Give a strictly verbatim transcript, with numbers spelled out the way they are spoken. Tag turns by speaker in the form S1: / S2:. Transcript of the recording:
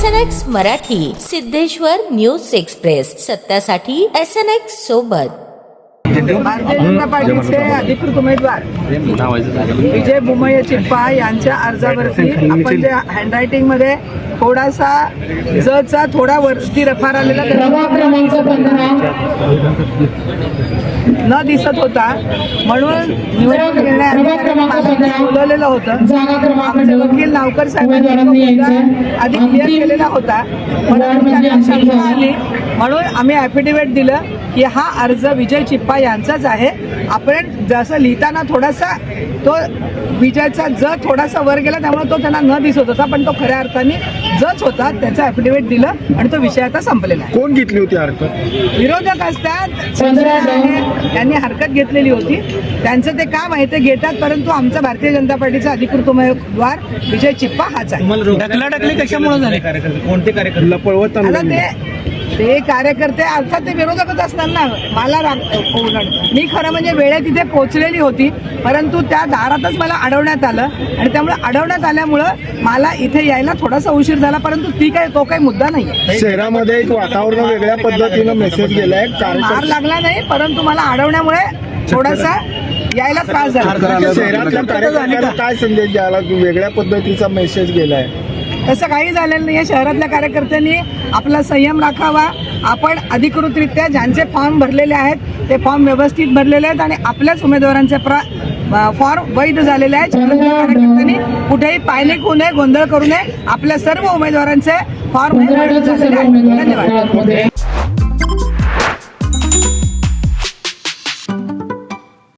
S1: S N X Marathi, Siddheshwar news express, सत्यासाठी S N X सोबत.
S2: भारतीय जनता पार्टीचे अधिकृत उमेदवार विजय बुमय्या चिप्पा यांच्या अर्जावरती आपण जे हँडरायटिंग मध्ये थोडासा जचा थोडा वरती रफार आलेला न दिसत होता, म्हणून निवडणूक निर्णय अधिकाऱ्यांनी बोलवलेलं होतं. आमचे वकील नावकर साहेबांनी आधी क्लिअर केलेला होता, परंतु त्यांना शंका आली म्हणून आम्ही ॲफिडेव्हिट दिलं की हा अर्ज विजय चिप्पा यांचाच आहे. आपण जसं लिहिताना थोडासा तो विजयचा ज थोडासा वर गेला, त्यामुळे तो त्यांना न दिसत होता, पण तो खऱ्या अर्थाने जच होता. त्याचं ॲफिडेव्हिट दिलं आणि तो विषय आता संपलेला आहे.
S3: कोण घेतली होती हरकत?
S2: विरोधक असतात, त्यांनी हरकत घेतलेली होती, त्यांचं ते काम आहे ते घेतात, परंतु आमचा भारतीय जनता पार्टीचा अधिकृत उमेदवार विजय चिप्पा हाच आहे.
S4: ढकलाढकली कशामुळे झाली?
S3: कोणते कार्यकर्ते पळवत
S2: आता ते ते कार्यकर्ते अर्थात ते विरोधकच असणार ना. मला राग मी खरं म्हणजे वेळेत तिथे पोहोचलेली होती, परंतु त्या दारातच मला अडवण्यात आलं आणि त्यामुळे अडवण्यात आल्यामुळं मला इथे यायला थोडासा उशीर झाला, परंतु ती काय तो काही मुद्दा नाही.
S3: शहरामध्ये एक वातावरण वेगळ्या पद्धतीनं मेसेज गेलाय.
S2: मार लागला नाही, परंतु मला अडवण्यामुळे थोडासा यायला त्रास झाला.
S3: शहरातल्या कार्यकर्त्यांना काय संदेश द्यायला वेगळ्या पद्धतीचा मेसेज गेलाय?
S2: तसं काही झालेलं नाही आहे. शहरातल्या कार्यकर्त्यांनी आपला संयम राखावा. आपण अधिकृतरित्या ज्यांचे फॉर्म भरलेले आहेत ते फॉर्म व्यवस्थित भरलेले आहेत आणि आपल्याच उमेदवारांचे प्र फॉर्म वैध झालेले आहेत. शहरातल्या कार्यकर्त्यांनी कुठेही पायनिक होऊ नये, गोंधळ करू नये. आपल्या सर्व उमेदवारांचे फॉर्म वैध झालेले आहेत. धन्यवाद.